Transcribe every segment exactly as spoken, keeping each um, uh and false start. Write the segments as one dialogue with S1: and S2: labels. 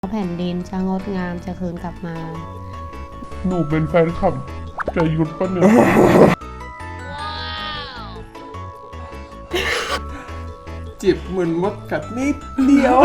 S1: แผ่นดินจะงดงามจะคืนกลับมา
S2: หนูเป็นแฟนคลับจะยุดปะเนี่ยจิบเหมือนมดกัดนิดเดียว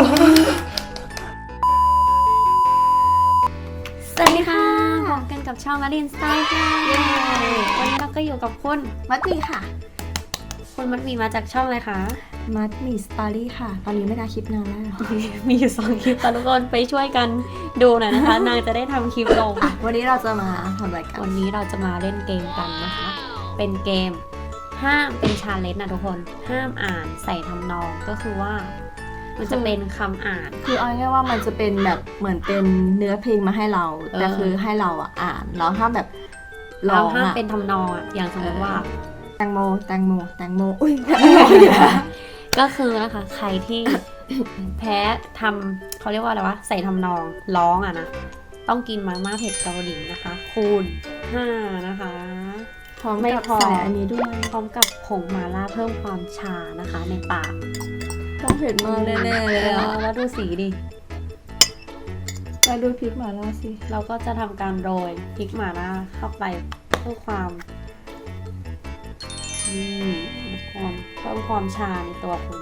S1: สวัสดีค่ะพบกันกับช่องมารินสไตล์ค่ะวันนี้เราก็อยู่กับคุณมัดมีค่ะคุณมัดมีมาจากช่องอะไรคะ
S3: มัดมีสตอรี่ค่ะตอนนี้ไม่ได้คลิปนานแล้ว
S1: มีอยู่สองคลิปตอนทุกคนไปช่วยกันดูหน่อยนะคะ นางจะได้ทำคลิปลง
S3: วันนี้เราจะมาทำอะไรกัน
S1: วันนี้เราจะมาเล่นเกมกันนะคะ เป็นเกมห้ามเป็นชาเลนจ์นะทุกคนห้ามอ่านใส่ทำนองก็คือว่ามันจะเป็นคำอ่าน
S3: คือเอาง่ายๆว่ามันจะเป็นแบบเหมือนเป็นเนื้อเพลงมาให้เราแต่คือให้เราอ่ะอ่านแล้วถ้าแบบ
S1: เราห้ามเป็นทำนองอ่ะอย่างสมมติว่า
S3: แตงโมแตงโมแตงโมอุ้ย
S1: ก็คือนะคะใครที่แพ้ทำเขาเรียกว่าอะไรวะใส่ทำนองร้องอ่ะนะต้องกินมาม่าเผ็ดเกาหลีนะคะคูณห้านะคะ
S3: พร้อมกับใส่อันนี้ด้วย
S1: พร้อมกับผงมาล่าเพิ่มความชานะคะในปาก
S3: ต้องเผ็ดมากแน่ๆเลยอ่ะ
S1: แล้วดูสีดิ
S3: ไปดูพริกหม่าล่าสิ
S1: เราก็จะทำการโรยพริกหม่าล่าเข้าไปเพื่อความนี่ความเพิ่มความชาในตัวคุณ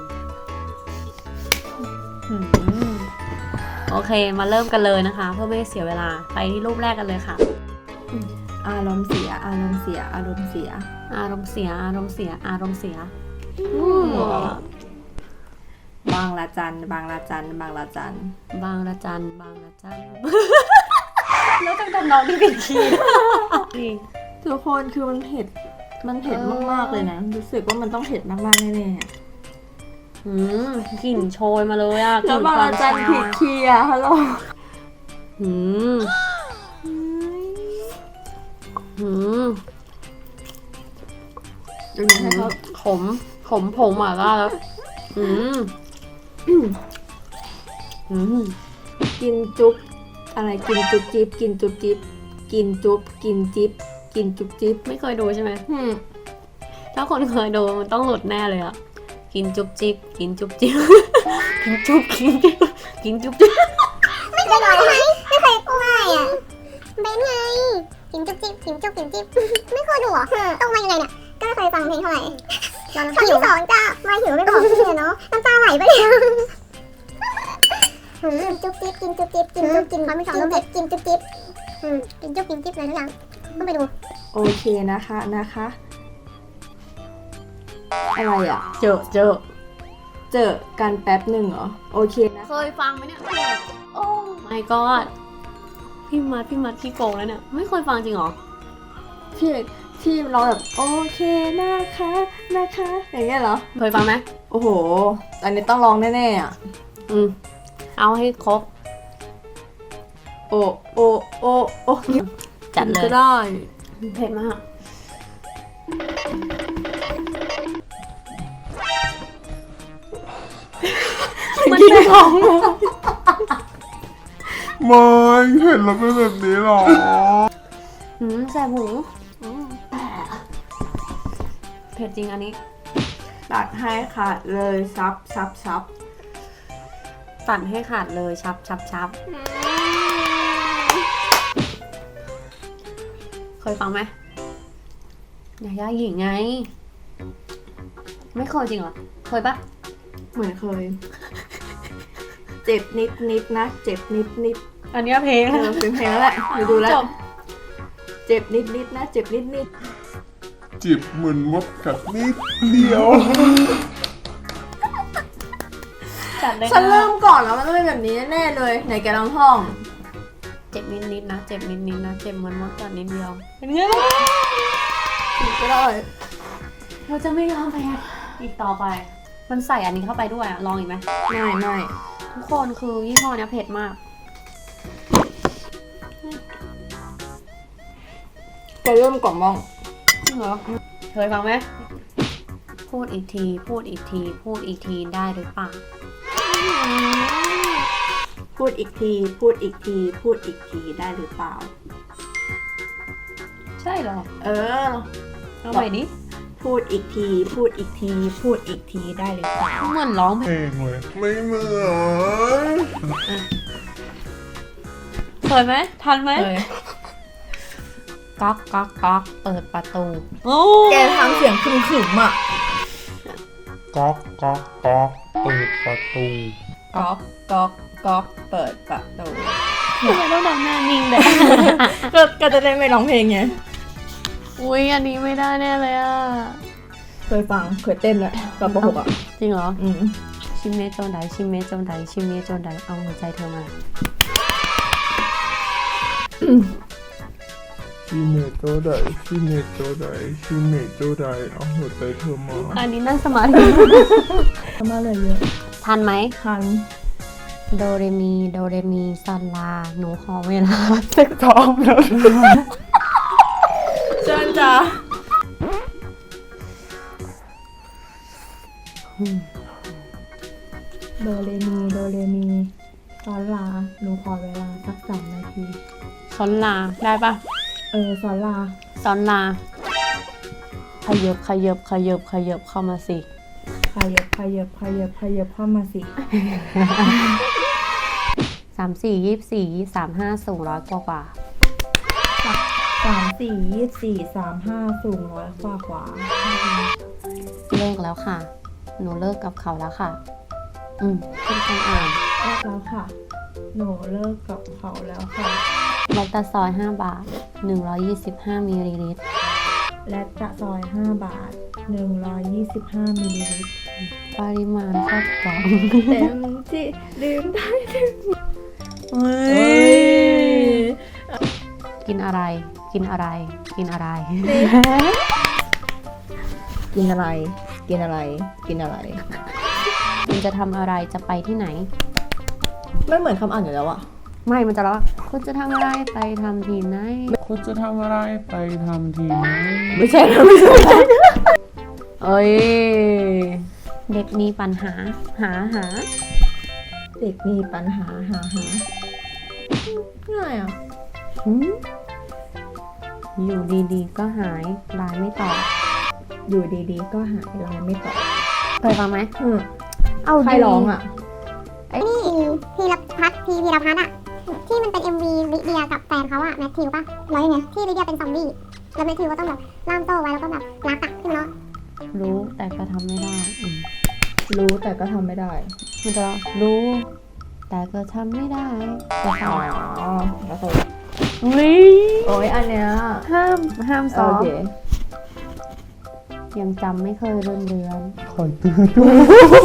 S1: โอเคมาเริ่มกันเลยนะคะเพื่อไม่ให้เสียเวลาไปที่รูปแรกกันเลยค่ะ
S3: อารมณ์เสียอารมณ์เสียอารมณ์เสีย
S1: อารมณ์เสียอารมณ์เสียอารมณ์เสีย
S3: บางละจันบางละจันบางละจัน
S1: บางละจันบางละจันแล้วต้องทำน้องที่ผิดคีย์
S3: ทุกคนคือมันเผ็ดมันเผ็ดมากๆเลยนะรู้สึกว่ามันต้องเผ็ดมากๆแน่
S1: ๆหืมกลิ่นโชยมาเลยอ่ะ
S3: แล้วบางละจันผิดคีย์อ่ะฮัลโหล
S1: หืมหืม
S3: ดูนี่ให้เขา
S1: ขมขมผงหม่าล่าแล้วอืมอืม
S3: กินจุ๊บอะไรกินจุ๊บจิ๊บกินจุ๊บจิ๊บกินจุ๊บกินจิ๊บกินจุ๊บจิ๊บ
S1: ไม่เคยดูใช่ไหมถ้าคนเคยดูมันต้องหลุดแน่เลยอ่ะกินจุ๊บจิ๊บกินจุ๊บจิ๊บกินจุ๊บกินจิ๊บกินจุ๊บจิ๊บ
S4: ไม่เคยดูไหมไม่เคยกล้วยอ่ะเบนไงกินจุ๊บจิ๊บกินจุ๊บกินจิ๊บไม่เคยดูอ่ะต้องมายังไงเนี่ยก็ไม่เคยฟังเพลงเท่าไหร่ตอนที่สองจ้ามาหิวไม่บอกเลยเนาะน้ำตาไหลไปเลยจุ๊บจิ๊บกินจุ๊บจิ๊บกินจุ๊บกินความไม่สองต้องเผ็ดกินจุ๊บจิ๊บกินจุ๊บกินจิ๊บอะไรทุกอย่างต้องไปดู
S3: โอเคนะคะนะคะอะไรอ่ะ
S1: เจอเจอ
S3: เจอกันแป๊บหนึ่งเหรอโอเคนะ
S1: เคยฟังไหมเนี่ยโอ้ my god พี่มัดพี่มัดพี่โกงแล้วเนี่ยไม่เคยฟังจริงเหรอ
S3: พี่ที่เราแบบโอเคนะคะนะคะอย่างเงี้ยเหรอ
S1: เคยฟังไหม
S3: โอ้โหอันนี้ต้องลองแน่ๆอ่ะ
S1: อืมเอาให้ครบ
S3: โอโอโอโอ
S1: จัดเลย
S3: ก็ได้
S1: เผ็ดมาก
S3: มันกินของ
S2: ไม่เห็นแล้วเป็นแบบนี้หรอ
S1: หืมแสบหูเผ็ดจริงอันนี้
S3: ตัดให้ขาดเลยซับซับซับ
S1: ตัดให้ขาดเลยชับชับชับเคยฟังไหมยาย่าหญิงไงไม่เคยจริงเหรอเคยปะ
S3: เหมือนเคยเจ็บนิดนิดนะเจ็บนิดนิด
S1: อันนี้เพลง
S3: เออเป็นเพลงแล้วแหละไปดูแล้วเจ็บนิดนิดนะเจ็บนิดนิด
S2: จิบเหมือนมดกัดนิดเดียว
S3: ฉันเริ่มก่อนแล้วมันต้องเป็นแบบนี้แน่เลยไหนแกลองท่อง
S1: เจ็บนิดนิดนะเจ็บนิดนิดนะเจ็บเหมือนมดกัดนิดเดียวเป็นไง
S3: ถูกก็ได้
S1: เราจะไม่ยอมแพ้อีกต่อไปมันใส่อันนี้เข้าไปด้วยอะลองอีกไหม
S3: ไม่ไม่
S1: ทุกคนคือยี่ห้อนี้เผ็ดมาก
S3: จะเริ่มก่อนมอง
S1: เหรอเคยฟังไหมพูดอีกทีพูดอีกทีพูดอีกทีได้หรือเปล่า
S3: พูดอีกทีพูดอีกทีพูดอีกทีได้หรือเปล่า
S1: ใช่เหรอ
S3: เออ
S1: เอาใหม่ดิ
S3: พูดอีกทีพูดอีกทีพูดอีกทีได้หรือเปล่า
S1: เหมือนร้อง
S2: เพลงเลยไม่เหมือน
S1: เคยไหมทันไหม
S3: เลย
S1: ก๊อกก๊อกก๊อกเปิดประตูโอ้
S3: แกทำเสียงขึมๆอ่ะ
S2: ก๊อกก๊อกก๊อกเปิดประตู
S3: ก๊อกก๊อกก๊อกเปิดประตู
S1: ทำไมต้องทำหน้านิ่งเลย
S3: ก็ก็จะได้ไม่ร้องเพลงไง
S1: อุ้ยอันนี้ไม่ได้แน่เลยอ่ะ
S3: เคยฟังเคยเต้นด้วยตอนป .หก อ่ะ
S1: จริงเหรอ
S3: อืม
S1: ชิเมะโจนไดชิเมะโจนไดชิเมะโจนไดเอาหัวใจเธอมา
S2: ชิเมโตไดชิเมโตไดชิเมโตไดเอาหัวใจเธอมา
S1: อันนี้นั่งสมาธิ
S3: ทำมาเลยเยอะ
S1: ทันไหม
S3: ทัน
S1: โดเรมีโดเรมีซอนลาหนูขอเวลาสักพร้อมแล้ว
S3: เชิญจ้าโดเรมีโดเรมีซอนลาหนูขอเวลาสักสามนาที
S1: ซอนลาได้ปะ
S3: เออซอนลา
S1: ซอนลาขยับขยับขยับขยับเข้ามาสิ
S3: ขยับขยับขยับขยับเข้ามาสิ
S1: สามสี่ยี่สี่สามห้าสูงร้อยกว่ากว่า
S3: สามสี่ยี่สี่สามห้าสูงร้อยกว่ากว่า
S1: เลิกแล้วค่ะ หนูเลิกกับเขาแล้วค่ะ อืมขึ้นการอ่าน
S3: เลิกแล้วค่ะ หนูเลิกกับเขาแล้วค่ะ
S1: แลคตาซอยห้าบาทหนึ่งร้อยยี่สิบห้ามิลลิลิตร
S3: และกระซอยห้าบาทหนึ่งร้อยยี่สิบห้ามิลลิลิตร
S1: ปริมาณครอบครอง
S3: เต็มที่ดื่มได้ดื่ม
S1: เฮ้
S3: เฮ้
S1: ย
S3: ย
S1: กินอะไร กินอะไร กินอะไร
S3: กินอะไร กินอะไร กินอะไร
S1: คุณจะทำอะไรจะไปที่ไหน
S3: ไม่เหมือนคำอ่านอยู่แล้วอะ
S1: ไม่มันจะแล้วว่าคุณจะทำอะไรไปทำที่ไหน
S2: คุณจะทำอะไรไปทำทีไหน
S3: ไม่ใช่นะไม่ใช่
S1: เอ้ย เด็กมีปัญหา หาหา
S3: เด็กมีปัญหาหาหาง่ายอะ
S1: หืมอยู่ดีๆ ก็หายไลน์ไม่ตอบ
S3: อยู่ดีๆ ก็หายไลน์ไม่ตอบ
S1: เคยฟังไหม
S3: อืม
S1: เอา
S3: ใคร
S1: ดี
S3: ร้องอะ
S4: นี่พีรพัฒน์พีพีรพัฒน์อะที่มันเป็น เอ็ม วี ลิเดียกับแฟนเขาอะแมทธิวป่ะร้อยเนี่ยที่ลิเดียเป็นซอมบี้แล้วแมทธิวก็ต้องแบบล่ามโซ่ไว้แล้วก็แบบรักอะขึ้นเนาะ
S1: รู้แต่ก็ทำไม่ได้อืม
S3: รู้แต่ก็ทำไม่ได้
S1: มันจะรู้ แต่ก็ทำไม่ได้แต่
S3: อ๋
S1: ค่ะ
S3: อแล้วก็
S1: นี่
S3: โอ้ยอันเนี้ย
S1: ห้ามห้ามซ้อ
S3: โอ
S1: ม
S3: เค
S1: ยังจำไม่เคยเรือนเรือน
S2: คอยเตือนด้วย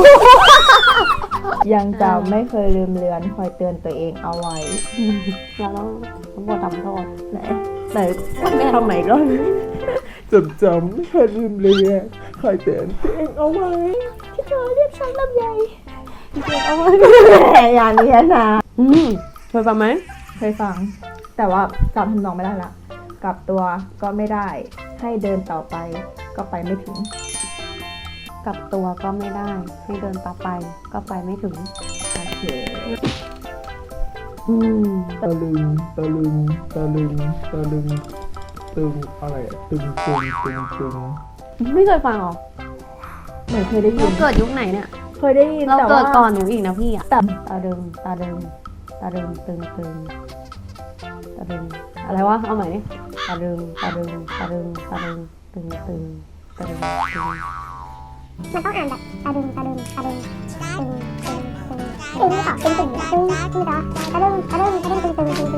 S3: ยังจำไม่เคยลืมเลือนคอยเตือนตัวเองเอาไว้
S1: เราต้องต้องบททำโทษ
S3: ไหนไหนทำไหนก็
S2: จำจำไม่เคยลืมเลยอะคอยเตือนตัวเองเอาไว้
S3: ที่เธอเรียกฉันลำไยเอาไว้แหมอย่างนี้นะ
S1: อืมเคยฟังไหม
S3: เคยฟัง แต่ว่าจำทำนองไม่ได้ละกลับตัวก็ไม่ได้ ให้เดินต่อไปก็ไปไม่ถึง
S1: กลับตัวก็ไม่ได้ ให้เดินต่อไปก็ไปไม่ถึง
S3: โอเค
S1: อืม
S2: ตะลึงตะลึงตะลึงตะลึงตึงอะไรอะตึงตึงตึงตึง
S1: ไม่เคยฟังหรอ
S3: เหมือนเคยได้ยิ
S1: เรา
S3: น
S1: เกิดยุคไหนเนี่ย
S3: เคยได้ยิน
S1: เรา
S3: แต่
S1: เกิ
S3: ว่า
S1: ดก่อนหนูอีกนะพี่อะ
S3: แต่
S1: ตาเดิมตาเดิมตาเดิมตึงตึงตาเดิมอะไรวะเอาใหม่ดิตาเดิมตาเดิมตาเดิมตาเดิมตึงตึงตาเดิมตึง
S4: มันต้องอ่านแบบตะดึงตะดึงตะดึงตึงตึงตึงตึงต่อตึงตึงตึงคือต่อตะดึงตะดึงตะดึงตึงตึงตึงตึงตึงตึงตึงตึงตึงตึงตึงตึง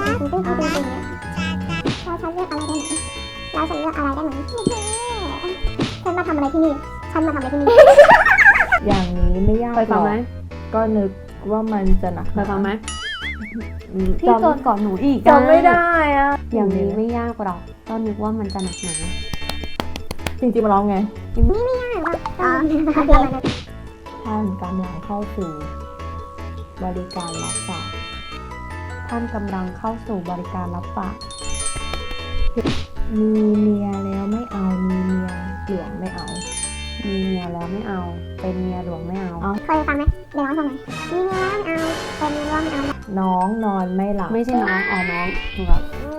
S4: เราฉันเลือกอะไรได้ไหมเราฉันเลือกอะไรได้ไหมฉันมาทำอะไรที่นี่ฉันมาทำอะไรที่นี่
S3: อย่างนี้ไม่ยาก
S1: เคยฟังไหม
S3: รอกก็นึกว่ามันจะหนัก
S1: เคยฟังไหม
S3: อืม
S1: พี่เกิดก่อนหนูอีกอะ
S3: จำไม่ได้อะ
S1: อย่างนี้ไม่ยากหรอกก็นึกว่ามันจะหนักหนา
S3: จริงๆมันร้องไง
S4: นี่ไม่ยากหรออ๋อโอเค
S3: ท่านกำลังเข้าสู่บริการรับฝาก
S1: ท่านกำลังเข้าสู่บริการรับฝาก
S3: มีเมียแล้วไม่เอา มีเมียหลวงไม่เอา
S1: มีเมียแล้วไม่เอา เป็นเมียหลวงไม่เอา
S3: เอา
S4: เคยฟังไหมเดี๋ยวร้องฟังหน่อยมีเมียแล้วไม่เอาเป็นเมียแล้วไม่เอา
S3: น้องนอนไม่หลับ
S1: ไม่ใช่น้องอ๋อน้องหนูแบบ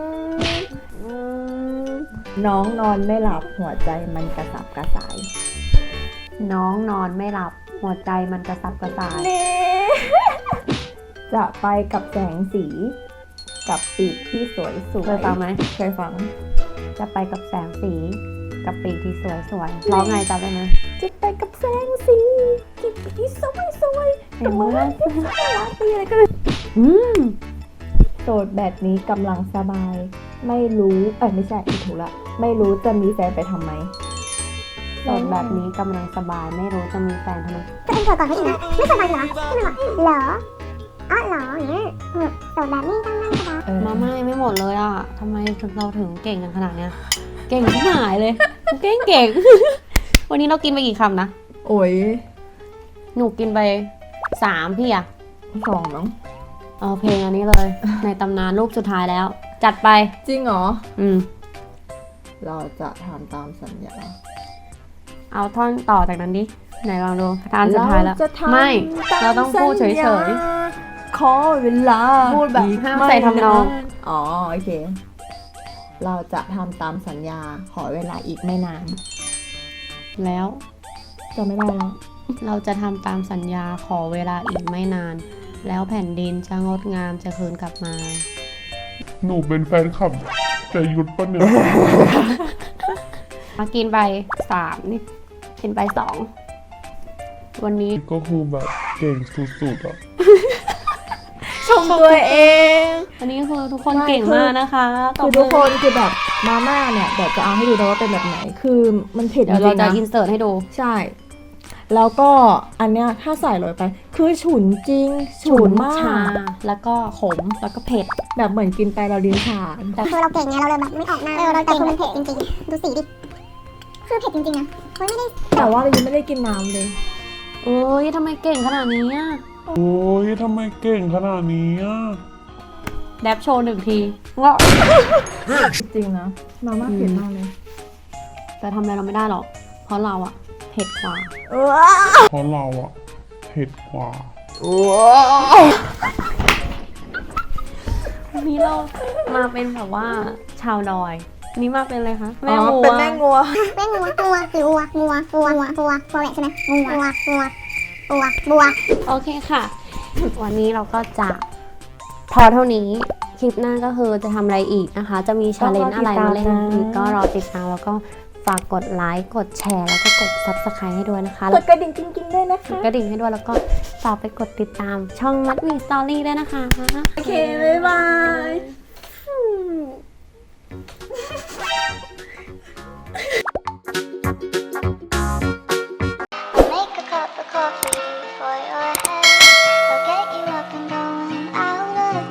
S3: น้องนอนไม่หลับหัวใจมันกระสับกระส่าย
S1: น้องนอนไม่หลับ หัวใจมันกระสับกระส่าย
S3: จะไปกับแสงสีกับปีกที่สวยสวย
S1: เคยฟังไหม
S3: เคยฟัง
S1: จะไปกับแสงสีกับปีกที่สวยสวยร้องไงจำได้ไหม
S3: จะไปกับแสงสีกับปีกที่สวยสวย
S1: เห็นมั้ย
S3: ตีอะไรก็เลย
S1: อืม
S3: โสดแบบนี้กำลังสบาย ไม่รู้เอ้ยไม่ใช่ผิดถูกละไม่รู้จะมีแฟนไปทำไม
S1: โสดแบบนี้กำลังสบายไม่รู้จะมีแฟนทำไม
S4: ตัวเองโสดก่อนเขาอีกนะไม่สบายเหรอไม่เป็นไรเหรออ๋อเหรออย่างเงี้ยเออโสดแบบนี้ต้องนั่งสบาย
S3: เออ
S1: มาไม่ไม่หมดเลยอ่ะทำไมเราถึงเก่งกันขนาดเนี้ย เก่งที่หายเลย เก่งเก่ง วันนี้เรากินไปกี่คำนะ
S3: โอ้ย
S1: หนูกินไปสามพี่อะ
S3: สองมั้ง
S1: เอาเพลงอันนี้เลย ในตำนานรูปสุดท้ายแล้ว จัดไป
S3: จริงเหรอ
S1: อืม
S3: เราจะทำตามสัญญา
S1: เอาท่อนต่อจากนั้นดิ ไหนลองดูทานสุดท้ายแล้ว
S3: เรจะทำ
S1: ไม่
S3: ต
S1: เราต้องพูดเฉยๆ
S3: สัญญาขอเวลา
S1: พูดแบบ
S3: อีก
S1: ห้าม
S3: ไม่
S1: ใส่ทำนอง
S3: านอ๋อโอเค เราจะทำตามสัญญา ขอเวลาอีกไม่นาน
S1: แล้ว
S3: จะไม่ได้แล้ว
S1: เราจะทำตามสัญญาขอเวลาอีกไม่นาน แล้วแผ่นดินจะงดงามจะคืนกลับมา
S2: หนูเป็นแฟนคลับจะหยุดปะเนี่ย
S1: มากินไปสามนี่กินไปสองวันนี้
S2: ก็คือแบบเก่งสุดๆอ่ะ
S3: ชมตัวเอง
S1: วันนี้คือทุกคน
S3: ไม่
S1: เก่ง
S3: คือ
S1: มากนะคะต
S3: คื
S1: บ
S3: อ
S1: มื
S3: ทุกคนคือแบบมาม่าเนี่ยเดี๋ยวจะเอาให้ดูนะว่าเป็นแบบไหน คือมันเผ็ด
S1: เดี๋
S3: จ
S1: ยวเรา
S3: ริงๆ
S1: จะ
S3: นะ
S1: อินเสิร์ตให้ดู
S3: ใช่ แล้วก็อันเนี้ยถ้าใส่ลงไป คือฉุนจริง ฉุนมา
S1: ชาก แล้วก็ขมแล้วก็เผ็ด
S3: แบบเหมือนกินไปเราลิ้นชา
S4: แต่คือเราเก่งไงเราเลยแบบไม่ออกหน้าเออเราแต่คือมันเผ็ดจริงๆดูสีดิคือเผ็ดจริงๆนะเฮ้ยไม่ได้
S3: แต่ว่าเรายังไม่ได้กินน้ำเลย
S1: โอ้ยทำไมเก่งขนาดนี้อะ
S2: โอ้ยทำไมเก่งขนาดนี้อ่ะ
S1: แดบโชว์หนึ่งทีงอก
S3: จริงนะมาม่าเผ็ดมากเลย
S1: แต่ทำอะไรเราไม่ได้หรอก เพราะเราอะเผ็ดกว่า
S3: เออ
S2: เพราะเราอ่ะเผ็ดกว่า
S1: วันนี้เรามาเป็นแบบว่าชาวดอยอันนี้มาเป็นอะไรคะ
S3: อ๋อเป็นแม่งัว
S4: แม่งัวงัวหรือวัวงัวงัวงัวงัวงัวแหละใช่ไหมงัวงัวงัวงัวงัว
S1: โอเคค่ะ วันนี้เราก็จะพอเท่านี้ คลิปหน้าก็คือจะทำอะไรอีกนะคะ จะมีชาเลนจ์อะไรมาเล่นอีกก็รอติดตามแล้วก็ฝากกดไลค์ กดแชร์ แล้วก็กด ซับสไครบ์ ให้ด้วยนะคะ
S3: กดกระดิ่งจริงๆด้วยนะ
S1: ก
S3: คะ
S1: ดกระดิ่งให้ด้วยแล้วก็ฝากไปกดติดตามช่องมัดมีสตอรี่ด้วยนะคะ
S3: โอเค บ๊ายบาย